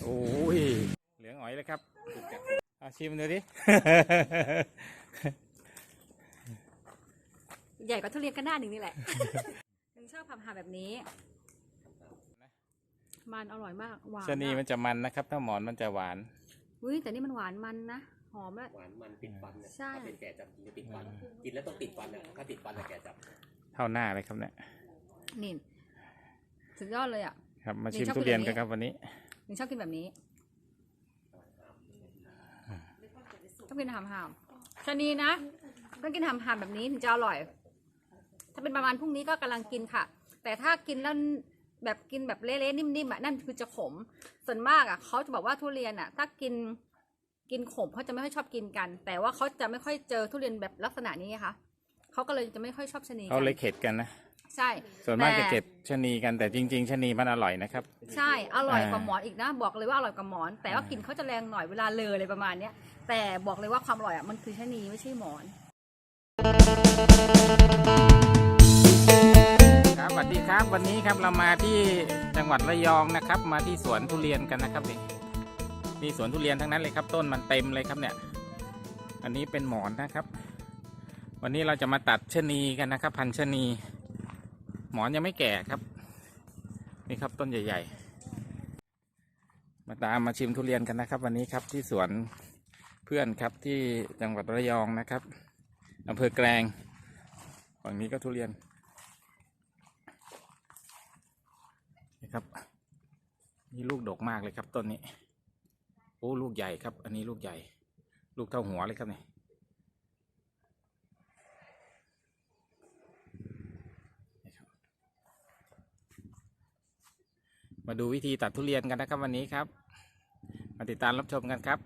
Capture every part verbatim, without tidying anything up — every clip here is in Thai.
โอ้ยเหลืองอ๋อยเลยครับเอาชิมดูดิใหญ่กว่าทุเรียนก็หน้าหนึ่งนี่แหละ ยังชอบทำหาแบบนี้มันอร่อยมากหวานชะนีมันจะมันนะครับถ้าหมอนมันจะหวานอุ้ยแต่นี่มันหวานมันนะหอมและหวานมันติดฟันเนี่ยใช่ถ้าเป็นแก่จับกินจะติดฟันกินแล้วต้องติดฟันอ่ะถ้าติดฟันอะแก่จับเท่าหน้าเลยครับเนี่ยนี่สุดยอดเลยอ่ะครับมาชิมนี่ชอบทุเรียนกินกันแบบนี้ครับวันนี้หนูชอบกินแบบนี้ต้องกินหามหามชะนีนะต้องกินหามหามแบบนี้ถึงจะอร่อย ถ้าเป็นประมาณพรุ่งนี้ก็กำลังกินค่ะ แต่ถ้ากินแล้วแบบกินแบบเละๆนิ่มๆอ่ะนั่นคือจะขมส่วนมากอ่ะเขาจะบอกว่าทุเรียนอ่ะถ้ากินกินขมเขาจะไม่ค่อยชอบกินกัน แต่ว่าเขาจะไม่ค่อยเจอทุเรียนแบบลักษณะนี้ค่ะเขาก็เลยจะไม่ค่อยชอบชะนีกัเขาเลยเข็ดกันนะใช่ส่วนมากแต่จะเก็บชะนีกันแต่จริง ๆชะนีมันอร่อยนะครับใช่อร่อยกว่าอ่าหมอนอีกนะบอกเลยว่าอร่อยกว่าหมอน แต่ว่ากลิ่นเขาจะแรงหน่อยเวลาเลออะไรประมาณเนี้ยแต่บอกเลยว่าความอร่อยอ่ะมันคือชะนีไม่ใช่หมอนครับสวัสดีครับวันนี้ครับเรามาที่จังหวัดระยองนะครับ มาที่สวนทุเรียนกันนะครับนี่มีสวนทุเรียนทั้งนั้นเลยครับต้นมันเต็มเลยครับเนี่ยอันนี้เป็นหมอนนะครับ วันนี้เราจะมาตัดชะนีกันนะครับ พันธุ์ชะนีหมอนยังไม่แก่ครับนี่ครับต้นใหญ่ๆมาตามมาชิมทุเรียนกันนะครับ วันนี้ครับที่สวนเพื่อนครับที่จังหวัดระยองนะครับอำเภอแกลงฝั่งนี้ก็ทุเรียนนี่ครับนี่ลูกดกมากเลยครับต้นนี้โอ้ลูกใหญ่ครับอันนี้ลูกใหญ่ลูกเท่าหัวเลยครับนี่มาดูวิธีตัดทุเรียนกันนะครับวันนี้ครับมาติดตามรับชมกันครับ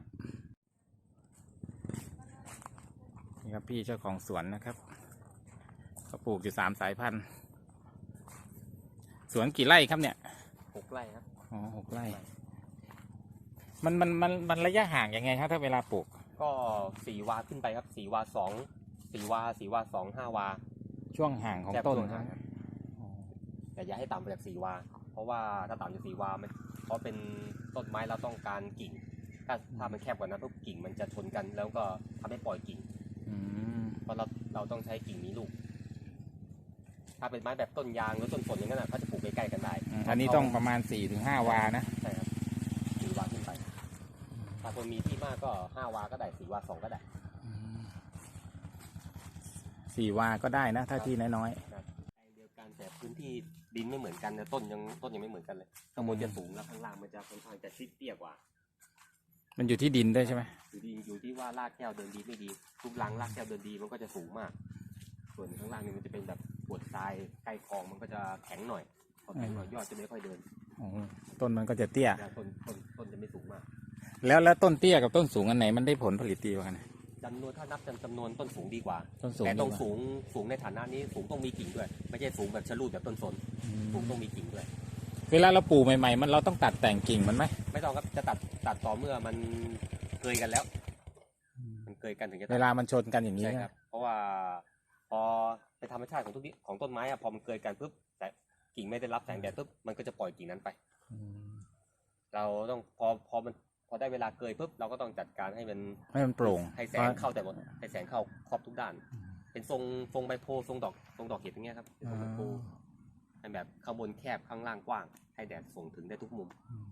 นี่ครับพี่เจ้าของสวนนะครับเขาปลูกอยู่สามสายพันธุ์สวนกี่ไร่ครับเนี่ยหกไร่ครับอ๋อหกไร่มันมันมันมันระยะห่างยังไงครับถ้าเวลาปลูกก็สี่วาขึ้นไปครับสี่วาสองสี่วาสี่วาสองห้าวาช่วงห่างของแทบต้นช่วงคห่ารับงครับแต่อย่าให้ต่ำไปจากสี่วา เพราะว่าถ้าต่ำจากสี่วามันเพราะเป็นต้นไม้เราต้องการกิ่ง ถ้าถ้ามันแคบกว่านั้นปุ๊บกิ่งมันจะชนกันแล้วก็ทำให้ปล่อยกิ่งอืมเพราะเราเราต้องใช้กิ่งมีลูก ถ้าเป็นไม้แบบต้นยางหรือต้นฝนอย่างนั้นนะเขาจะปลูกใกล้ๆกันได้อันนี้ต้องประมาณสี่ถึงห้าวานะใช่ครับสี่วาขึ้นไป ถ้าคนมีที่มากก็ห้าวาก็ได้สี่วาสองก็ได้สี่วาก็ได้นะ ถ้าที่น้อยครับเดียวกันแต่พื้นที่ดินไม่เหมือนกันนะต้นยังต้นยังไม่เหมือนกันเลยข้างบนจะสูงแล้วข้างล่างมันจะค่อนข้างจะชิดเตี้ยกว่าๆมันอยู่ที่ดินด้วยใช่ไหมอยู่ดีอยู่ที่ว่ารากแก้วเดินดีไม่ดีทุกรังรากแก้วเดินดีมันก็จะสูงมาก ส่วนข้างล่างนี่มันจะเป็นแบบปวดทรายใกล้คลองมันก็จะแข็งหน่อยพอแข็งหน่อยยอดจะไม่ค่อยเดินอ๋อต้นมันก็จะเตี้ยแต่ต้นต้นต้นจะไม่สูงมากแล้วแล้วต้นเตี้ยกับต้นสูงอันไหนมันได้ผลผลิตดีกว่ากันจำนวนถ้านับจำนวนต้นสูงดีกว่าต้นสูงแต่ต้องดีกว่าสูงสูงในฐานะนี้สูงต้องมีกิ่งด้วย ไม่ใช่สูงแบบชะลูดแบบต้นสนอืมสูงต้องมีกิ่งด้วยเวลาเราปลูกใหม่ๆมันเราต้องตัดแต่งกิ่งมันไหมไม่ต้องครับจะตัดตัดต่อเมื่อมันเกยกันแล้ว มันเกยกันถึงจะตัดเวลามันชนกันอย่างนี้ใช่คนะรับ เพราะว่าพอเป็นธรรมชาติของทุกที่ของต้นไม้อะพอมันเกยกันปุ๊บแต่กิ่งไม่ได้รับแสงแดดปุ๊บมันก็จะปล่อยกิ่งนั้นไปอืมเราต้องพอพอมันพอได้เวลาเกยปุ๊บเราก็ต้องจัดการให้มันให้มันโปร่งให้แสงเข้าแต่หมดให้แสงเข้าครอบทุกด้าน เป็นทรงทรงใบโพธิ์ทรงดอกทรงดอกเห็ดอย่างเงี้ยครับเป็นทรงใบโพธิ์ให้แบบข้างบนแคบข้างล่างกว้าง ให้แดดส่งถึงได้ทุกมุม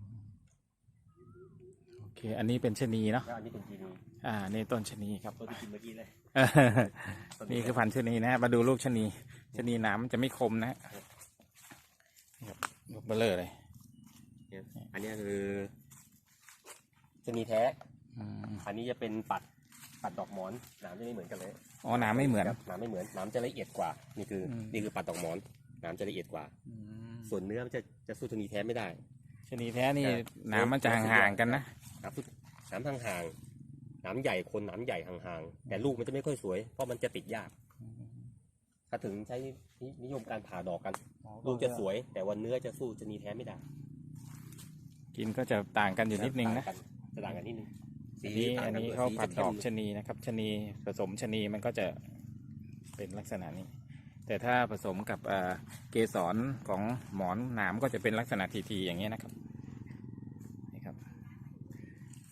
โอเค อันนี้เป็นชะนีเนาะแล้วอันนี้เป็นจีนีอ่า นี่ต้นชะนีครับตัวที่กินเมื่อกี้เลยนี่คือพันธุ์ชะนีนะฮะมาดูลูกชะนีชะนีหนามมันจะไม่คมนะฮะนี่ครับลูกเบลเลอร์เลยเนี่ยอันนี้คือจะมีแท้อืมอันนี้จะเป็นปัดปัดดอกหมอนหนามจะไม่เหมือนกันเลยอ๋อหนามไม่เหมือนครับหนามไม่เหมือนหนามจะละเอียดกว่า นี่คืออมนี่คือปัดดอกหมอนหนามจะละเอียดกว่าอืมส่วนเนื้อมันจะจะสู้ชนีแท้ไม่ได้ชะนีแท้นี่ครับหนามมันจะห่างๆกันนะหนามหนามห่างๆหนามใหญ่คนหนามใหญ่ห่างๆแต่ลูกมันจะไม่ค่อยสวยเพราะมันจะติดยาก ถ้าถึงใช้นิยมการผ่าดอกกัน ลูกจะสวย แต่วันเนื้อจะสู้ชนีแท้ไม่ได้กินก็จะต่างกันอยู่นิดนึงนะต่ากัจะต่างกันนิดนึงอันนี้ต่งอันกันี้ด้วยเขาสีผัดจะดอกเข้มชะนีนะครับชะนีผสมชะนีมันก็จะเป็นลักษณะนี้ แต่ถ้าผสมกับเอ่อเกสรของหมอนหนามก็จะเป็นลักษณะทีๆอย่างเงี้ยนะครับนี่ครับ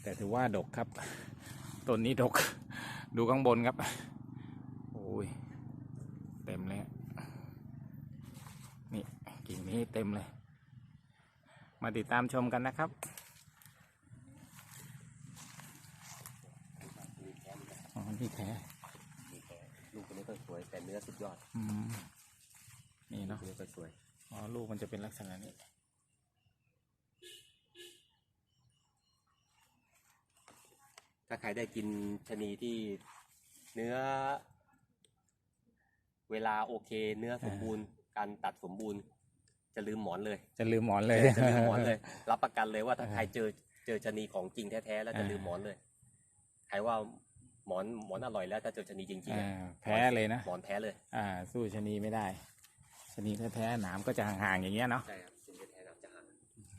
แต่ถือว่าดกครับต้นนี้ดก ดูข้างบนครับโอ้ยเต็มเลยนี่กิ่งนี้เต็มเลยมาติดตามชมกันนะครับอ๋อที่แท้ลูกตัวนี้ก็สวยแต่เนื้อสุดยอดอืมนี่เนาะเนื้อก็สวยอ๋อลูกมันจะเป็นลักษณะนี้ถ้าใครได้กินชะนีที่เนื้อ เวลาโอเค เนื้อสมบูรณ์การตัดสมบูรณ์จะลืมหมอนเลยจะลืมหมอนเลยจะลืมหมอนเลย รับประกันเลยว่าถ้าใครเจอเจอชะนีของจริงแท้ๆแล้วจะลืมหมอนเลยใครว่าหมอนหมอนอร่อยแล้วถ้าเจอชะนีจริงๆอ่าอะแพ้เลยนะหมอนแพ้เลยอ่าสู้ชะนีไม่ได้ชะนีแท้ๆหนามก็จะห่างๆอย่างเงี้ยเนาะใช่ครับชะนีแท้ๆน้ำจะห่าง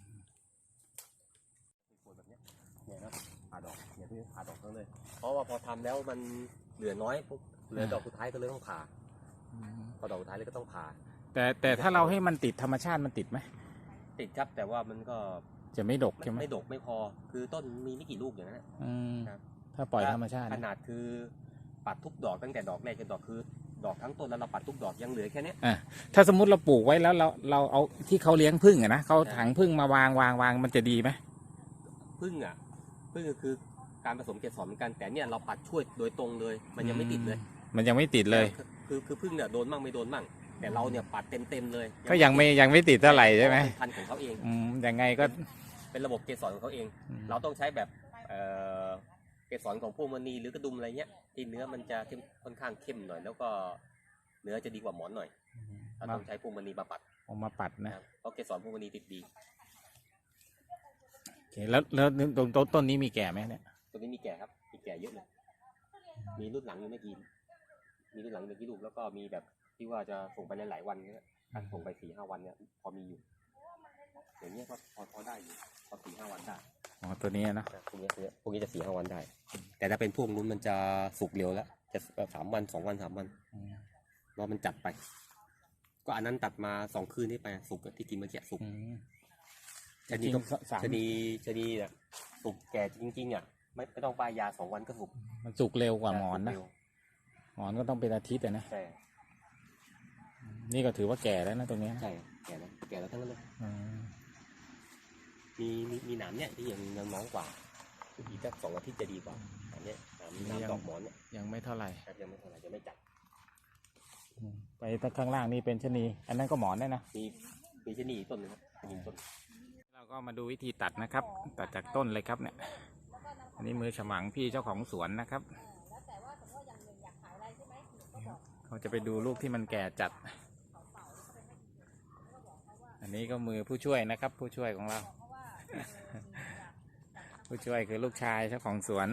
สวยแบบเนี้ยเนี่ยนะผ่าดอกเนี่ยพี่ผ่าดอกทั้งเลย เพราะว่าพอทำแล้วมันเหลือน้อยปุ๊บเหลือดอกสุดท้ายก็เลยต้องผ่าอืมพอดอกสุดท้ายเลยก็ต้องผ่าแต่แต่ถ้าเราให้มันติดธรรมชาติมันติดไหมติดครับแต่ว่ามันก็จะไม่ดกใช่ไหมไม่ดกไม่พอ คือต้นมีไม่กี่ลูกอย่างนั้นนะอืมครับถ้าปล่อยธรรมชาติขนาดคือปัดทุกดอกตั้งแต่ดอกแรกจนดอกคือดอกทั้งต้นแล้วเราปัดทุกดอกยังเหลือแค่เนี้ยอ่ะถ้าสมมุติเราปลูกไว้แล้วเราเราเอาที่เขาเลี้ยงผึ้งอะนะเขาถังผึ้งมาวางวางวางมันจะดีไหมพึ่งอ่ะพึ่งก็คือการผสมเกสรเหมือนกันแต่เนี่ยเราปัดช่วยโดยตรงเลย มันยังไม่ติดเลยมันยังไม่ติดเลยคือคือพึ่งเนี่ยโดนมั่งไม่โดนมั่งแต่เราเนี่ยปัดเต็มเต็มๆเลยก็ยังไม่ยังไม่ติดเท่าไหร่ใช่ไหมเป็นพันธุ์ของเขาเองอืมยังไงก็เป็นระบบเกสรของเขาเองอืมเราต้องใช้แบบเอ่อเกสรของพวกมณีหรือกระดุมอะไรเงี้ยที่เนื้อมันจะเข้มค่อนข้างเข้มหน่อยแล้วก็เนื้อจะดีกว่าหมอนหน่อยเรามาต้องใช้พวกมณีมาปัดเอามาปัดนะนะครับเพราะเกสรพวกมณีติดดีโอเคแล้วแล้วตรงต้นต้นนี้มีแก่ไหมเนี่ยตัวนี้มีแก่ครับมีแก่เยอะเลยมีรุ่นหลังอยู่ไม่กี่มีรุ่นหลังอยู่ไม่กี่ลูกแล้วก็มีแบบที่ว่าจะส่งไปหลายๆวันเนี่ยส่งไปสี่ห้าวันเนี่ยพอมีอยู่อย่างเงี้ยก็พอพอได้อยู่พอสี่ห้าวันได้อ๋อตัวนี้เนาะนะพวกนี้พวกนี้จะสี่ห้าวันได้ แต่ถ้าเป็นพวกนู้นมันจะสุกเร็วแล้วจะสามวันสองวันสามวันอืมเพราะมันจัดไป ก็อันนั้นตัดมาสองคืนนี่ไปสุกอะที่กินเมื่อกี้สุกอืมชะนีจริงก็ๆสามชะนีชะนีเนี่ยสุกแก่จริงๆอ่ะไม่ไม่ต้องป้ายยาสองวันก็สุกมันสุกเร็วกว่าหมอนนะสุกเร็วหมอนก็ต้องเป็นอาทิตย์อะนะใช่นี่ก็ถือว่าแก่แล้วนะตรงเนี้ยใช่แก่แล้วแก่แล้วทั้งนั้นเลยอืมมีมีมีหนามเนี่ยที่ยังยังน้องกว่าอีกสักสองอาทิตย์จะดีกว่าหนามเนี่ยหนามหนามดอกหมอนเนี่ยยังไม่เท่าไหร่ครับยังไม่เท่าไหร่ยังไม่จัดอืมไปข้างล่างนี่เป็นชะนี อันนั้นก็หมอนได้นะมีมีชะนีอีกต้นหนึงครับชะนีต้นเราก็มาดูวิธีตัดนะครับ ตัดจากต้นเลยครับเนี่ย อันนี้มือฉมังพี่เจ้าของสวนนะครับ เขาจะไปดูลูกที่มันแก่จัด อันนี้ก็มือผู้ช่วยนะครับ ผู้ช่วยของเรา ผู้ช่วยคือลูกชายเจ้าของสวน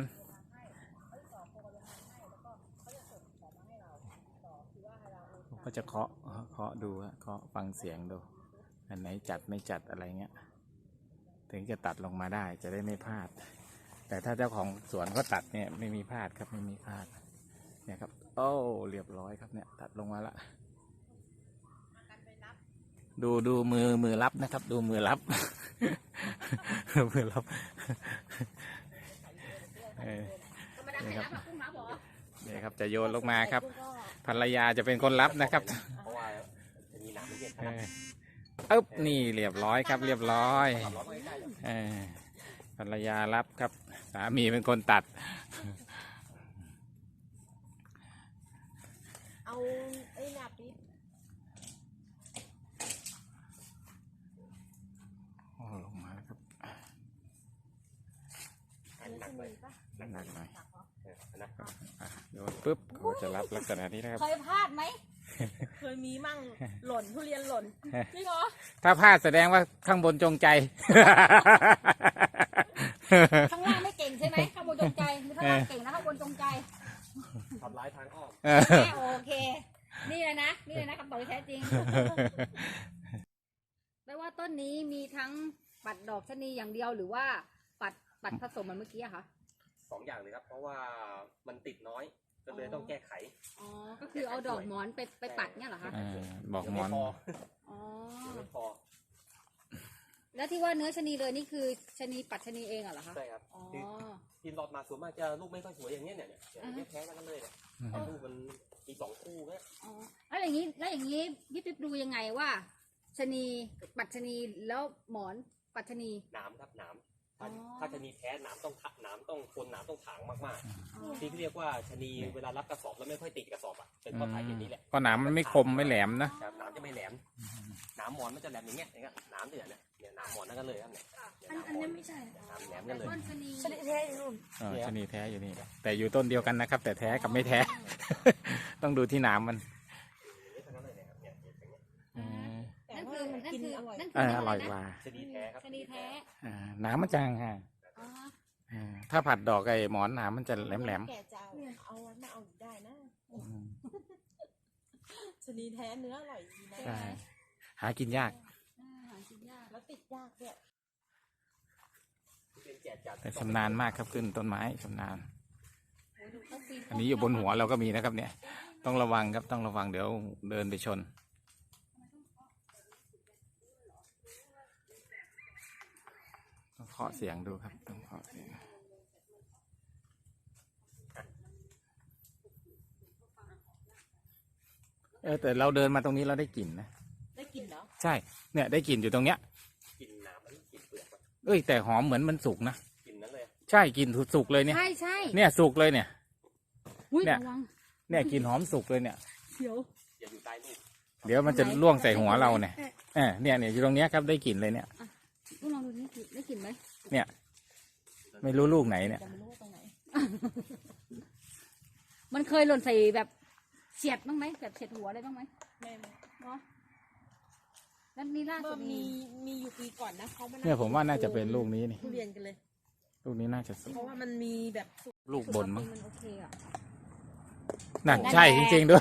ก็จะเคาะเคาะดูฮะเคาะฟังเสียงดู อันไหนจัดไม่จัดอะไรเงี้ย ถึงจะตัดลงมาได้จะได้ไม่พลาด แต่ถ้าเจ้าของสวนเขาตัดเนี่ยไม่มีพลาดครับไม่มีพลาดเนี่ยครับโอ้เรียบร้อยครับเนี่ยตัดลงมาละดูดูมือมือรับนะครับ ดูมือรับ มือรับเออนี่ครับนี่ครับจะโยนลงมาครับภรรยาจะเป็นคนรับนะครับเพราะว่าจะมีหนามไม่เยอะเอออึ๊บนี่เรียบร้อยครับ เรียบร้อยความร้อนไม่ได้หรอกเออภรรยารับครับ สามีเป็นคนตัดเอาไอ้หน้าปิดโอ้ลงมาแล้วครับอันหนักเลยหนักหน่อยเอออันนั้นอ่ะโยนปุ๊บเขาจะรับลักษณะนี้นะครับเคยพลาดไหม เคยมีมั่งหล่นทุเรียนหล่นจริงเหรอถ้าพลาดแสดงว่าข้างบนจงใจข้างล่างไม่เก่งใช่ไหมข้างบนจงใจหรือข้างล่างเก่งแล้วข้างบนจงใจทำร้ายทางอ้อมแม่โอเค นี่เลยนะ นี่เลยนะคำตอบที่แท้จริง แปลว่าต้นนี้มีทั้งปัดดอกชะนีอย่างเดียวหรือว่าปัดปัดผสมเหมือนเมื่อกี้อะคะสองอย่างเลยครับ เพราะว่ามันติดน้อยก็เลยต้องแก้ไขอ๋อ ก็คือเอาดอกหมอนไปไปปัดเนี่ยเหรอคะอ่าบอกหมอนเดี๋ยวไพออ๋อเดี๋ยวไม่พอแล้วที่ว่าเนื้อชะนีเลยนี่คือชะนีปัดชะนีเองเหรอคะใช่ครับอ๋อคือกินหลอดมาส่วนมากจะลูกไม่ค่อยสวยอย่างเงี้ยเนี่ยเนี่ยอย่างเงี้ยแพ้กันเลยเนี่ยแต่ลูกมันมีสองคู่เนี่ยอ๋อแล้วอย่างนี้แล้วอย่างนี้พี่ปิ๊บดูยังไงว่าชะนีปัดชะนีแล้วหมอนปัดชะนีหนามครับหนามถ้าอ๋อถ้าชะนีแท้หนามต้องทะหนามต้องคนหนามต้องถางมากอ๋อๆที่เรียกว่าชะนีเวลารับกระสอบแล้วไม่ค่อยติดกระสอบอ่ะเป็นเพราะสาเหตุนี้แหละเพราะหนามมันไม่คมไม่แหลมนะครับหนามจะไม่แหลมหนามหมอนมันจะแหลมอย่างเงี้ยอย่างเงี้ยหนามเนี่ยเนี่ยเนี่ยหนามหมอนนั่นกันเลยครับเนี่ยเนี่ยหนามหมอนหนามแหลมกันเลยต้นชะนีชนิดแท้อยู่นู่นอ๋อชะนีแท้อยู่นี่ แต่อยู่ต้นเดียวกันนะครับ แต่แท้กับไม่แท้ ต้องดูที่หนามมัน อืมนั่นคือนั่นคือนั่นเอคือออร่อยกว่าชะนีแท้ครับชะนีแท้อ่าหนามมันจางฮะอ๋ออ่าถ้าผัดดอกไอ้หมอนหนามมันจะแหลมแหลมแก่จะเอาเอาไว้มาเอาอยู่ได้นะๆอืมชนิดแท้เนื้ออร่อยดีนะใช่หากินยากอ่าหากินยากแล้วติดยากด้วยเป็นแกะจัดแต่ชำนาญมากครับขึ้นต้นไม้ชำนาญโอ้ยดูเขาปีนอันนี้อยู่บนหัวเราก็มีนะครับ เนี่ย ต้องระวังครับต้องระวังเดี๋ยวเดินไปชนต้องเคาะเสียงดูครับต้องเคาะเสียงเออแต่เราเดินมาตรงนี้เราได้กลิ่นนะได้กินเหรอใช่เนี่ยได้กลิ่นอยู่ตรงเนี้ยกินหนามมันกินเปลือกมันเอ้ยแต่หอมเหมือนมันสุกนะกินนั้นเลยใช่กลิ่นสุกเลยเนี่ยใช่ใช่เนี่ยสุกเลยเนี่ยอุ้ยเนี่ยระวังเนี่ยกลิ่นหอมสุกเลยเนี่ยเขียวอย่าอยู่ใต้ลูกเดี๋ยวมันจะล่วงใส่หัวเราเนี่ยเออเนี่ยเนี่ยอยู่ตรงเนี้ยครับได้กลิ่นเลยเนี่ยต้องลองดูนี่ได้กลิ่นไหมไม่รู้ลูกไหนเนี่ยจะไม่รู้ว่าตรงไหนมันเคยหล่นใส่แบบเฉียดบ้างไหมแบบเฉียดหัวอะไรบ้างไหมแม่เนาะแล้วนี่ล่าเมื่สุอดมีมีมีอยู่ปีก่อนนะเขามาเนี่ยผมว่าน่าจะเป็นลูกนี้นี่ทุเรียนกันเลยลูกนี้น่าจะสุกเพราะว่ามันมีแบบสุกลูกบนมั้งมันโอเคอ่ะนั่นใช่จริงๆด้วย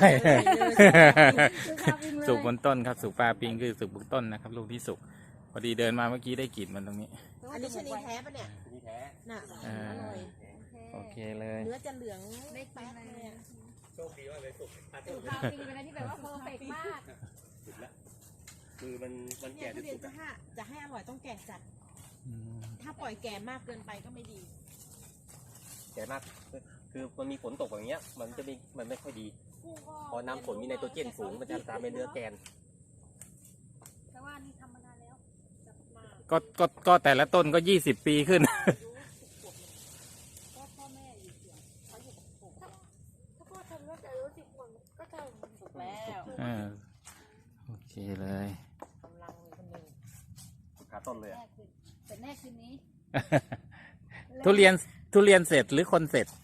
สุสุกกบนต้นครับสุกปลาปิงคือสุกบนต้นนะครับ ลูกที่สุกพอดีเดินมาเมื่อกี้ได้กลิ่นมันตรงนี้อันนี้ชนิดแท้ปะเนี่ยชะนีแท้น่ะอ่าอร่อยโอเคเลยเนื้อจะเหลืองได้กินแป๊ดอะไรเลยอะโชคดีมากเลยสุกถ้าสุสุกกปลาปิงเป็นอะไรที่แบบว่าเพอร์เฟกต์มากสุกแล้วคือมันมันเนี่ยแก่จทุนเรียสุนกจะอะให้จะให้อร่อยต้องแก่จัดอืมถ้าปล่อยแก่มากเกินไปก็ไม่ดีแก่มากคือคือมันมีฝนตกอย่างเงี้ย มันจะมีมันไม่ค่อยดี พอน้ำฝนมีไนโตรเจนสูงมันจะทำให้เนื้อแกนแต่ว่านี่ทำมานานแล้วจับมาก็ก็ก็แต่ละต้นก็ยี่สิบปีขึ้นก็พ่อแม่อยู่เสียงเขาอยู่กับผมถ้าพ่อทำแล้วแต่รู้สิบคนก็ทำสุกแล้วอ่าโอเคเลยกำลังมีคนหนึ่งขาต้นเลยแม่อะคือแต่แม่คืนนี้ทุเรียนทุเรียนเสร็จหรือคนเสร็จ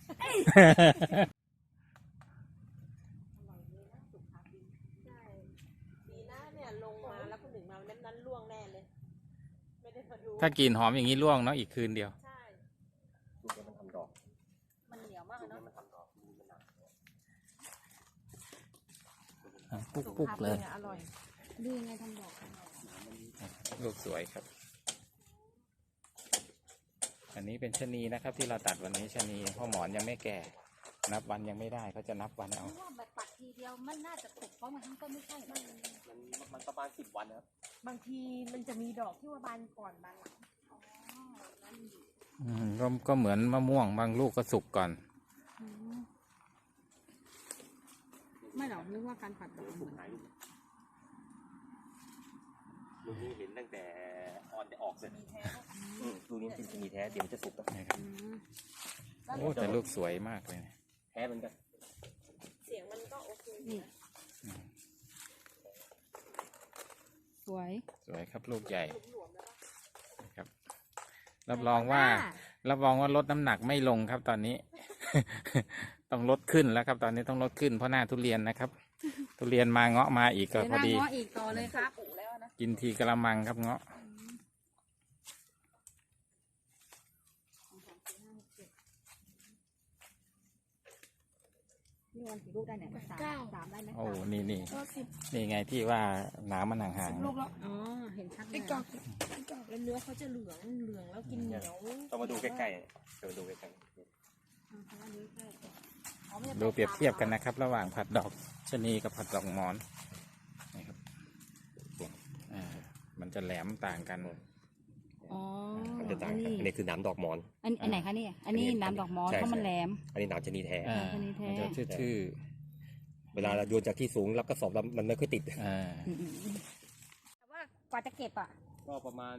ใช่ดีนะเนี่ยลงมาแล้วคนหนึ่งมานั้นนั้นล่วงแน่เลย ไม่ได้มาดูถ้ากลิ่นหอมอย่างนี้ร่วงเนาะอีกคืนเดียวใช่ลูกมันทำดอกมันเหนียวมากลูเลยกเนาะมันทำดอกลูกมันหนาปุ๊กปุ๊กเลยอร่อยดูยังไงทำดอกลูกสวยครับ อันนี้เป็นชะนีนะครับที่เราตัดวันนี้ชะนีเพราะหมอนยังไม่แก่ นับวันยังไม่ได้เขาจะนับวันเอาเพราะว่าแบบปัดทีเดียวมันน่าจะตกเพราะมันทั้งต้นไม่ใช่มันมันมันประมาณสิบวันนะครับบางทีมันจะมีดอกที่ว่าบานก่อนบานหลังอืมก็ก็เหมือนมะม่วงบางลูกก็สุกก่อนอืมไม่หรอกนึกว่าการผัดดอกเหมือนลูกนี้เห็นตั้งแต่ออนจะออกเลยมีแท้อืมลูกนี้เป็นชะนีแท้เดี๋ยวมันจะสุกแล้วนะครับอืมโอ้แต่ลูกสวยมากเลยนะแท้เหมือนกันเสียงมันก็โอเคนี่อืมสวยสวยครับลูกใหญ่นะครับ รับรองว่า รับรองว่าลดน้ำหนักไม่ลงครับตอนนี้ ต้องลดขึ้นแล้วครับ ตอนนี้ต้องลดขึ้นเพราะหน้าทุเรียนนะครับ ทุเรียนมาเงาะมาอีกก็เดี๋ยวพอหน้าดีง้ออีกต่อเลยครับกินทีกระมังครับเงาะนี่วันกี่ลูกได้เนี่ยสามสามได้ไหมโอ้สามนี่นี่นี่ไงที่ว่าหนามมันห่างๆลูกแล้วอ๋อเห็นชัดเลยกอกกอกแล้วเนื้อเขาจะเหลืองเหลืองแล้วกินเหนียวต้องมาดูใกล้ๆเดี๋ยวมาดูใกล้อ๋อเพราะว่านี้แค่อ๋อไม่ได้ดูเปรียบเทียบกันนะครับ ระหว่างผัดดอกชะนีกับผัดดอกหมอนนี่ครับอ่ามันจะแหลมต่างกันๆอ๋อมันจะต่าอังนกันนี้อันนี้คือหนามดอกหมอนอันอันไหนคะเนี่ยอันนี้อันนี้น้ำดอกมอสใช่เพราะมันใช่แหลมอันนี้หนามชะนีแท้อ่าชนิดแท้มันจะชื่อเวลาเราโยนจากที่สูงรับกระสอบแล้วมันไม่ค่อยติดๆอ่าอืมอืมอืมแต่ว่ากว่าจะเก็บอ่ะก็ประมาณ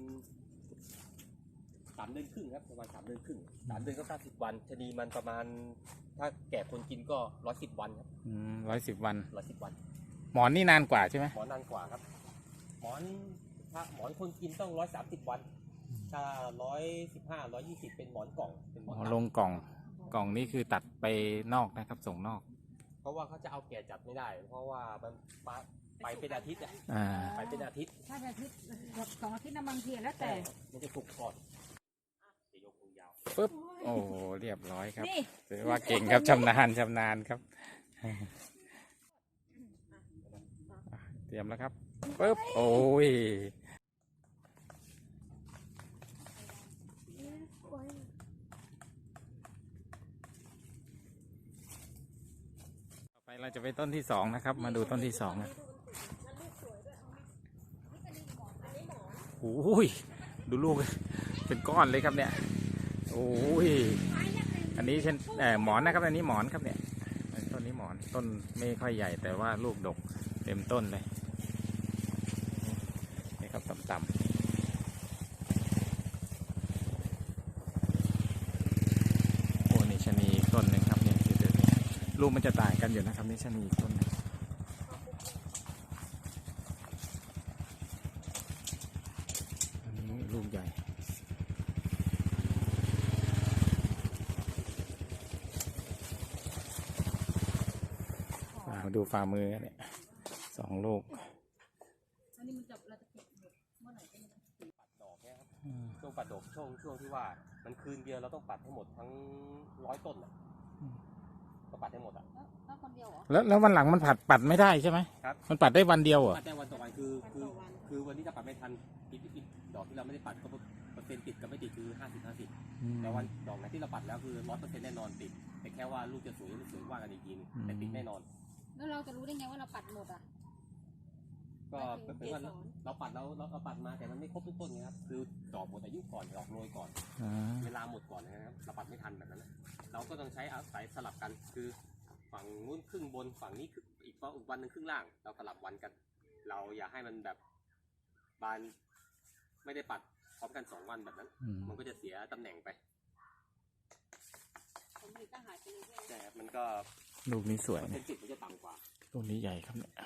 สามเดือนครึ่งครับประมาณสามเดือนครึ่งสามเดือนก็เก้าสิบวันชะนีมันประมาณ ถ้าแก่คนกินก็ร้อยสิบวันครับร้อยสิบวันร้อยสิบวันหมอนนี่นานกว่าใช่ไหมหมอนนานกว่าครับ หมอนถ้าหมอนคนกินต้องร้อยสามสิบวัน ถ้าร้อยสิบห้าร้อยยี่สิบเป็นหมอนกล่องเป็นหมอ๋อนอตัดลงกล่องกล่องนี่คือตัดไปนอกนะครับ ส่งนอกเพราะว่าเขาจะเอาแก่จัดไม่ได้ เพราะว่ามันไปไปเป็นอาทิตย์อะอ่าไปเป็นอาทิตย์ถ้าเป็นอาทิตย์สองอาทิตย์นะบางทีแล้วแต่มันจะถูกก่อนจะยกมือยาวปึ๊บโอ้โหเรียบร้อยครับนี่ถือว่าเก่งครับชำนาญชำนาญครับอ่ะเตรียมแล้วครับปึ๊บโอ้ยต่อไปเราจะไปต้นที่สองนะครับ มาดูต้นที่สองนะโอ้ยดูลูกเป็นก้อนเลยครับเนี่ยโอ้ยอันนี้เช่นเอ่อหมอนนะครับอันนี้หมอนครับเนี่ยต้นนี้หมอนต้นไม่ค่อยใหญ่แต่ว่าลูกดกเต็มต้นเลยนี่ครับต่ำๆโอ้นี่ชะนีอีกต้นหนึ่งครับเนี่ยคือเดี๋ยวนี้ลูกมันจะต่างกันอยู่นะครับนี่ชะนีอีกต้นหนึ่งอันนี้ลูกใหญ่ มาดูฝ่ามือเนี่ยสองลูกอันนี้มันจะเราจะเก็บเมื่อไหร่ก็ไม่ได้ปัดดอกเนี่ยครับช่วงปัดดอกช่วงช่วงที่ว่ามันคืนเดียวเราต้องปัดให้หมดทั้งร้อยต้นอ่ะก็ปัดให้หมดอ่ะแล้วแล้วคนเดียวเหรอแล้วแล้ววันหลังมันผัดปัดไม่ได้ใช่ไหมครับมันปัดได้วันเดียวเหรอปัดได้วันต่อวันคือคือคือวันนี้ถ้าปัดไม่ทันอีกอีกดอกที่เราไม่ได้ปัดก็เปอร์เซ็นต์ติดกับไม่ติดคือห้าสิบห้าสิบแต่วันดอกไหนที่เราปัดแล้วคือร้อยเปอร์เซ็นต์แน่นอนติดแต่แค่ว่าลูกจะสวยหรือไม่สวยว่ากันอีกทีนึงแต่ติดแน่นอนแล้วเราจะรู้ได้ไงว่าเราปัดหมดอ่ะก็เป็นว่าเราปัดเราเราเราปัดมาแต่มันไม่ครบทุกต้นไงครับคือดอกหมดอายุก่อนดอกโรยก่อนอ่าเวลาหมดก่อนนะครับเราปัดไม่ทันแบบนั้นนะเราก็ต้องใช้อาศัยสลับกันคือฝั่งนู้นครึ่งบนฝั่งนี้อีกอีกวันหนึ่งครึ่งล่าง เราสลับวันกัน เราอย่าให้มันแบบบานไม่ได้ปัดพร้อมกันสองวันแบบนั้นอืมมันก็จะเสียตำแหน่งไปผมผลิตก็หายไปเลยใช่ไหมแต่มันก็ลูกนี้สวยเป็เนี่ยนสิบมันจะต่ำกว่าลูกนี้ใหญ่ครับเนี่ย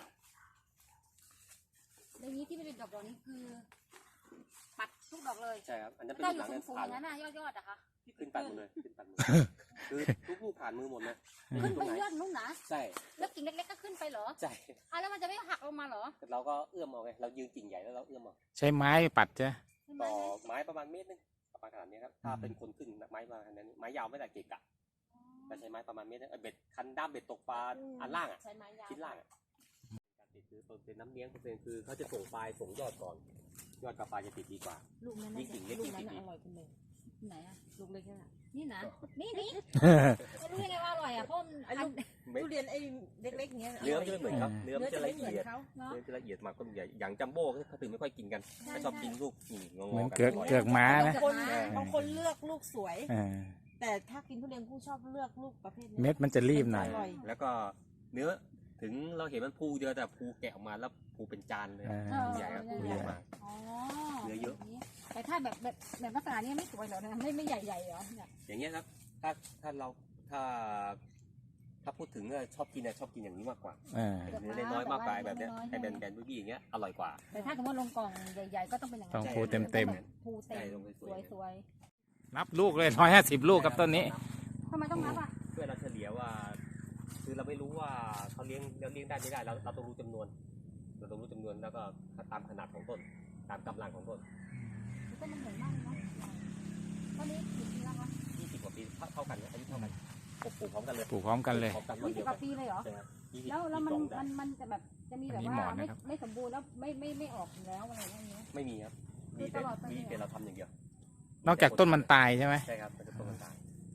แล้วนี้ที่ไม่ได้ดอกดอกนี้คือ ปัดทุกดอกเลยใช่ครับอันนั้นเป็นถ้าอลูกยู่หลังสูนั้นงๆอผ่านย่างนั้นน่ะยอดๆอะคะขึ้นปัดหมดเลยขึ้นปัดหมดคือทุกลูกผ่านมือหมดเลยขึ้นไปยอดนู้นนะใช่แล้วกิ่งเล็กๆก็ขึ้นไปเหรอใช่อ่ะแล้วมันจะไม่หักลงมาเหรอแต่เราก็เอื้อมเอาไงเรายืนกิ่งใหญ่แล้วเราเอื้อมเอาใช้ไม้ปัดใช่ไหมใช่ไหมต่อไม้ประมาณเมตรนึงประมาณขนาดนี้ครับถ้าเป็นคนขึ้นไม้ประมาณขนาดนี้ไม้ยาวไม่ได้เกะกะแต่ใช้ไม้ประมาณเมตรนึงเออเบ็ดคันด้ามเบ็ดตกปลาอันล่างอ่ะใช้ไม้ยาวชิ้นล่างอ่ะการติดคือเป็นน้ำเลี้ยงเปอร์เซ็นต์คือเขาจะส่งปลายส่งยอดก่อน ยอดกับปลายจะติดดีกว่าลูกนั้นยิ่งกิ่งเล็กลูกยิ่งนั้นติดน่ะดีอร่อยจังเลยไหนอะลูกเล็กแค่ไหนนี่นะนี่นี่จะรู้ยังไงว่าอร่อยอะเพราะมันไอ้ลูกไม่ทุเรียนไอ้เล็กๆเงี้ยเนื้อมันจะไม่เหมือนครับเนื้อมันจะละเอียดเขาเนาะเนื้อจะละเอียดมากก็ใหญ่อย่างจัมโบ้เขาถึงไม่ค่อยกินกันเขาชอบกินลูกนี่งงเหมือนๆกันเกือกบ่อยเกือกม้านะบางคนบางคนเลือกลูกสวยอ่าแต่ถ้ากินทุเรียนผู้ชอบเลือกลูกประเภทนี้เม็ดมันจะรีบหน่อยร่อยแล้วก็เนื้อถึงเราเห็นมันภูเดียวแต่ภูแกะออกมาแล้วภูเป็นจานเลยอ่าภูใหญ่ครับภูใหญ่มากอ๋อเนื้อเยอะแต่ถ้าแบบแบบแบบลักษณะนี้ไม่สวยเหรอนะไม่ไม่ใหญ่ๆเหรอเนี่ยอย่างเงี้ยครับ ถ้าถ้าเราถ้า ถ้าพูดถึงเออชอบกินอะชอบกินอย่างนี้มากกว่าอ่าเนื้อน้อยๆมากกว่าแบบเนี้ยไอ้แบนแบนๆบี้ๆอย่างเงี้ยอร่อยกว่าแต่ถ้าสมมติลงกล่องใหญ่ๆก็ต้องเป็นอย่างต้นั้องนภูเต็มเต็มภูเต็ใช่มลงไปสสววย ยสวยๆนับลูกเลยร้อยห้าสิบลูกครับต้นนี้ทำไมต้องนับอ่ะเพื่อเราเฉลี่ยว่า คือเราไม่รู้ว่าเขาเลี้ยงเราเลี้ยงได้ไม่ได้เราเราต้องรู้จำนวน เราต้องรู้จำนวนแล้วก็ตามขนาดของต้น ตามกำลังของต้นต้นมันใหญ่มากเลยเนาะต้นนี้กี่ปีแล้วคะยี่สิบกว่าปีเท่าเท่ากันนะอายุเท่ากันปลูกปลูกพร้อมกันเลยปลูกพร้อมกันเลยพร้อมกันวันยี่สิเดีบยวกกัว่าน ปีเลยเหรอใช่ครับยี่สิบแล้วแล้วมันยี่สิบสองได้มันมันจะแบบจะมีแบบอันนี้ว่าหมอนไม่นะครับไม่สมบูรณ์แล้วไม่ไม่ไม่ออกแล้วอะไรอย่างเงี้ยไม่มีครับคือมีแต่ตลอดไปมีเลยแต่เราทำอย่างเดียวนอกจากต้นมันตายใช่ไหมใช่ครับมันจะต้นมันตาย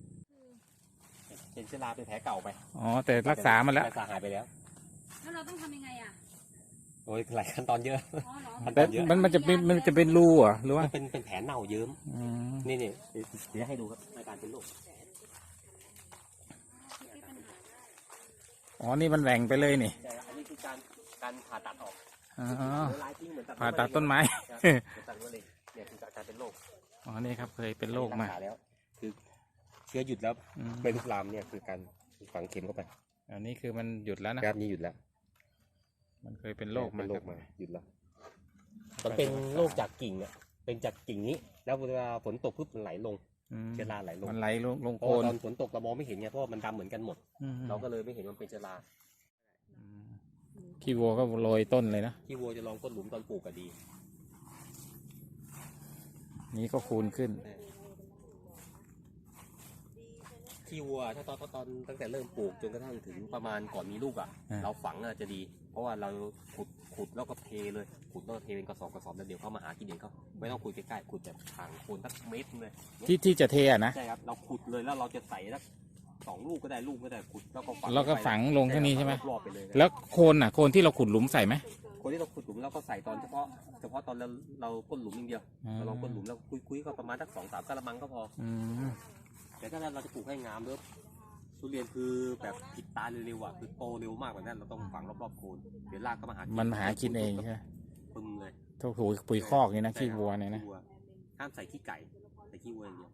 เป็นเชื้อราเป็นแผลเก่าไปอ๋อแต่รักษามันแล้วรักษาหายไปแล้วแล้วเราต้องทำยังไงอ่ะโอ้ยหลายขั้นตอนเยอะอ๋อเหรอขั้นตแต่อนเยอะมันมันจะเป็นมันจะเป็นรูเหรอหรือว่ามันเป็นเป็นแผลเน่าเยิ้มอืมนี่นี่เดี๋ยวให้ดูครับอาการเป็นโรคอ๋อนี่มันแหว่งไปเลยนี่แต่อันนี้คือการการผ่าตัดออกอ๋อเดี๋ยวลายทิ้งเหมือนผ่าตัดต้นไม้ครับเหมือนตัดมะเร็งเนี่ยคือการเป็นโรคอ๋อนี่ครับเคยเป็นโรคมารัษแล้ว คือเชื้อหยุดแล้วอืมไม่ลุกลามเนี่ยคือการฝังเข็มเข้าไปอันนี้คือมันหยุดแล้วนะครับนี่หยุดแล้วมันเคยเป็นโรคมาเป็นโรคครับ มาหยุดแล้วครัมับนเป็นโรคจากกิ่งเนี่ยเป็นจากกิ่งนี้ แล้วเวลาฝนตกปุ๊บมันไหลลงอืมเชื้อราไหลลงมันไหลลงลงเพโคราะลว่าตอนฝนตกเรามองไม่เห็นไงเพราะว่ามันดำเหมือนกันหมดอืมเราก็เลยไม่เห็นมันเป็นเชื้อราอืมขี้วัวก็โรยต้นเลยนะที่วัวจะลองก้นหลุมตอนปลูกก็ดีนี้ก็คูณขึ้นที่วัวถ้าตอนตอนตั้งแต่เริ่มปลูกจนกระทั่งถึงประมาณก่อนมีลูกอ่ะอ่าเราฝังอ่ะจะดี เพราะว่าเราขุดขุดแล้วก็เทเลยขุดแล้วก็เทเป็นกระสอบกระสอบแล้วเดี๋ยวเขามาหากินเองเขาไม่ต้องขุดใกล้ๆขุดแบบห่างโคนสักเมตรนึงเลยที่ที่จะเทอะนะใช่ครับเราขุดเลยแล้วเราจะใส่สักสองลูกก็ได้ลูกก็ได้ขุดแล้วก็ฝังแล้วก็ฝังลงเท่านี้ใช่ไหมรอบๆไปเลยแล้วโคนอ่ะโคนที่เราขุดหลุมใส่ไหมคนที่เราขุดหลุมเราก็ใส่ตอนเฉพาะเฉพาะตอนเราเราก้นหลุมอย่างเดียวอืมเราลองก้นหลุมแล้วคุยๆก็ประมาณสักสองสามกะละมังก็พออืมแต่ถ้าเราจะปลูกให้งามด้วยทุเรียนคือแบบผิดตาเร็วๆอ่ะคือโตเร็วมากกว่านั้นเราต้องฝังรอบๆโคนเดี๋ยวรากก็มาหากิมันหากินเองใช่ไหมปึ้มเลยทุกปุ๋ยปุ๋ยคอกนี่นะขี้วัวเนี่ยนะขี้วัวห้ามใส่ขี้ไก่ใส่ขี้วัวอย่างเดียว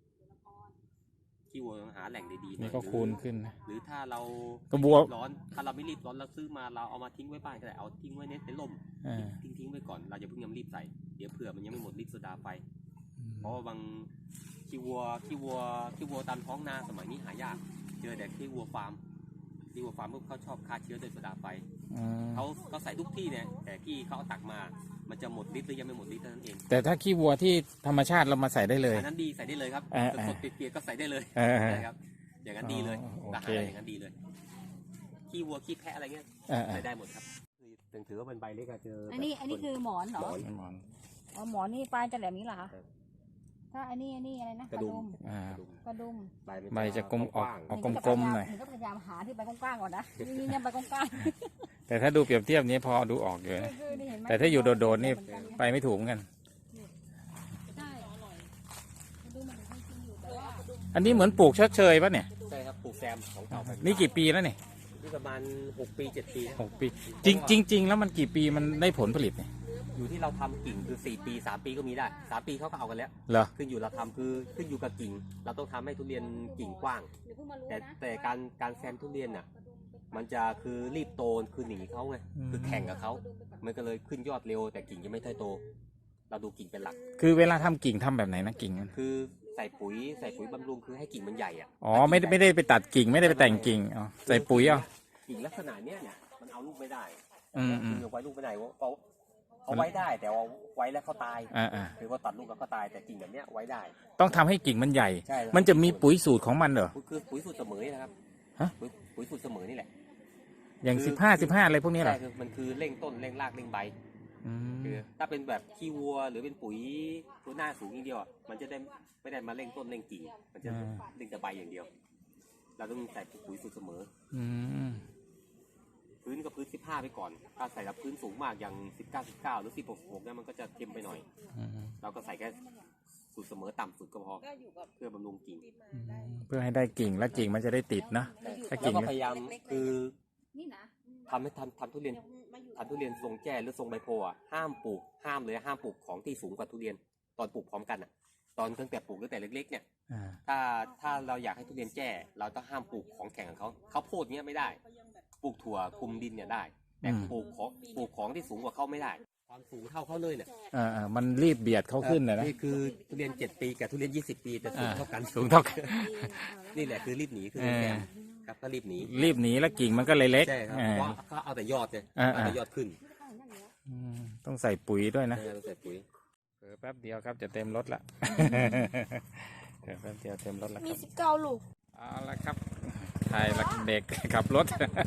ขี้วัวต้องหาแหล่งดีๆหน่นี่อยก็คูณขึ้นนะหรือถ้าเราก็วัวรีบร้อนถ้าเราไม่รีบร้อนเราซื้อมาเราเอามาทิ้งไว้บ้านก็ได้เอาทิ้งไว้ในในร่มอ่าทิ้งทิ้งไว้ก่อนเราอย่าเพิ่งยังรีบใส่เดี๋ยวเผื่อมันยังไม่หมดฤทธิ์โซดาไฟ เพราะว่าบางขี้วัวขี้วัวขี้วัวตามท้องนาสมัยนี้หายาก เจอแต่ขี้วัวฟาร์มขี้วัวฟาร์มพวกเขาชอบฆ่าเชื้อด้วยโซดาไฟอืมเขาก็ใส่ทุกที่เนี่ยแต่ที่เขาเอาตักมา มันจะหมดฤทธิ์หรือยังไม่หมดฤทธิ์เท่านั้นเองแต่ถ้าขี้วัวที่ธรรมชาติเรามาใส่ได้เลยอันนั้นดีใส่ได้เลยครับอ่าสดๆเปียกๆก็ใส่ได้เลยเออใช่ครับอย่างนั้นดีเลยอ๋อโออาเคหารอย่างนั้นดีเลยขี้วัวขี้แพะอะไรเงี้ยอ่าใส่ได้หมดครับถึงถือว่าเป็นใบเล็กอะเจออันนี้อันนี้คือหมอนเหรอหมอนๆหมอนอ๋อหมอนนี่ปลายจะแหลมนี้เหรอคะครับถ้าอันนี้อันนี้อะไรนะกระดุมอ่ากระดุมใบมันใบจะกลมออกว้างออกกลมๆหน่อยหนูก็พยายามหาที่ใบกว้างๆก่อนนะนี่เนี่ยใบกว้างแต่ถ้าดูเปรียบเทียบนี้พอดูออกอยู่ๆนะคือนี่เห็นไหมแต่ถ้าอยู่โดดๆนี่ไปไม่ถูกเหมือนกันใช่กระดุมมันถึงจริงๆอยู่แต่ว่าอันนี้เหมือนปลูกชดเชยป่ะเนี่ยใช่ครับปลูกแซมของเก่าไปนี่กี่ปีแล้วเนี่ยนี่ประมาณหกปีเจ็ดปีนะหกปี จริงจริงจริงแล้วมันกี่ปีมันได้ผลผลิตเนี่ยอยู่ที่เราทำกิ่งคือสี่ปีสามปีก็มีได้สามปีเขาก็เอากันแล้วเหรอขึ้นอยู่เราทำคือขึ้นอยู่กับกิ่ง เราต้องทำให้ทุเรียนกิ่งกว้างเดี๋ยวเพิ่งมารู้แต่นะแต่การการแซมทุเรียนน่ะ มันจะคือรีบโตคือหนีเขาไงคือแข่งกับเขามันก็เลยขึ้นยอดเร็ว แต่กิ่งยังไม่ค่อยโต เราดูกิ่งเป็นหลักคือเวลาทำกิ่งทำแบบไหนนะกิ่งมันคือใส่ปุ๋ยใส่ปุ๋ยบำรุงคือให้กิ่งมันใหญ่อ่ะอ๋อไม่ได้ไม่ได้ไปตัดกิ่งไม่ได้ไปแต่งกิ่งอ๋อใส่ปุ๋ยเอากิ่งลักษณะเนี้ยเนี่ยมันเอาลูกไม่ได้อืมอืมกิ่งเอาไว้ลูกไม่ได้ว่าเอาเอาไว้ได้แต่ว่าไว้แล้วเขาตายอ่าอ่าคือว่าตัดลูกแล้วก็ตายแต่กิ่งแบบเนี้ยไว้ได้ต้องทำให้กิ่งมันใหญ่ใช่มันจะมีปุ๋ยสูตรของมันเหรอคือปุ๋ยสูตรเสมอนะครับฮะปุ๋ยปุ๋ยสูตรเสมอนี่แหละอย่างคือสิบห้าสิบห้าอะไรพวกนี้เหรอใช่คือมันคือเร่งต้นเร่งรากเร่งใบอืมคือถ้าเป็นแบบขี้วัวหรือเป็นปุ๋ยตัวหน้าสูงอย่างเดียวอะมันจะได้ไม่ได้มาเร่งต้นเร่งกิ่งมันจะเร่งแต่ใบอย่างเดียว เราต้องใส่ปุ๋ยสูตรเสมออืมพื้นก็พื้นสิบห้าไปก่อน ถ้าใส่แบบพื้นสูงมากอย่างสิบเก้าสิบเก้าหรือสิบหกหกเนี่ยมันก็จะเค็มไปหน่อยอืมเราก็ใส่แค่สูตรเสมอต่ำสุดก็พอก็อยู่กับเพื่อบำรุงกิ่งที่มาได้เพื่อให้ได้กิ่งและกิ่งมันจะได้ติดนะ ถ้ากิ่แล้วงก็พยายามคือนี่นะทำให้ทำทำทุเรียนมาอยู่ทำทุเรียนทรงแจ้หรือทรงใบโพอ่ะห้ามปลูกห้ามเลยห้ามปลูกของที่สูงกว่าทุเรียน ตอนปลูกพร้อมกันอ่ะ ตอนตั้งแต่ปลูกตั้งแต่เล็กๆเนี่ยอ่าถ้าถ้าเราอยากให้ทุเรียนแจ้เราต้องห้ามปลูกของแข็งของเขาเขาวโพดเนี้ยไม่ได้ ปลูกถั่วคลุมดินเนี่ยได้ แต่ปลูกของปลูกของที่สูงกว่าเขาไม่ได้ ความสูงเท่าเขาเลยเนี่ยอ่าอ่ามันรีบเบียดเขาขึ้นเลยนะนี่คือทุเรียนเจ็ดปีกับทุเรียนยี่สิบปีแต่สูงอ่าเท่ากันสูงเท่ากันนี่แหละคือรีบหนีคือเออแซมครับก็รีบหนีรีบหนีแล้วกิ่งมันก็เลยเล็กใช่ครับอ่าเพราะเขาเอาแต่ยอดเนี่ยอ่าเอาแต่ยอดขึ้นอืมต้องใส่ปุ๋ยด้วยนะใช่ต้องใส่ปุ๋ยเผลอแป๊บเดียวครับจะเต็มรถละ เผลอแป๊บเดียวเต็มรถแล้วคมีรับสิบเก้าลูกเอาละครับถ่ายละเด็กขับรถ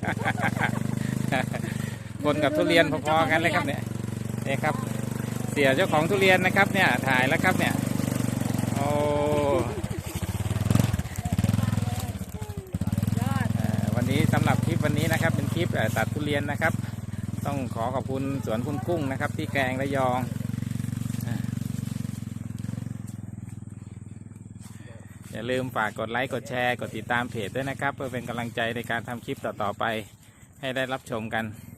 คนกับทุเรียนพอๆกันเลยครับเนี่ยนี่ครับ เสียเจ้าของทุเรียนนะครับ เนี่ยถ่ายแล้วครับเนี่ยโอ้เอ่อวันนี้สำหรับคลิปวันนี้นะครับ เป็นคลิปเอ่อตัดทุเรียนนะครับต้องขอขอบคุณสวนคุณกุ้งนะครับ ที่แกลงระยองอ่ะอย่าลืมฝากกดไลค์กดแชร์กดติดตามเพจด้วยนะครับ เพื่อเป็นกำลังใจในการทำคลิปต่อๆไปให้ได้รับชมกัน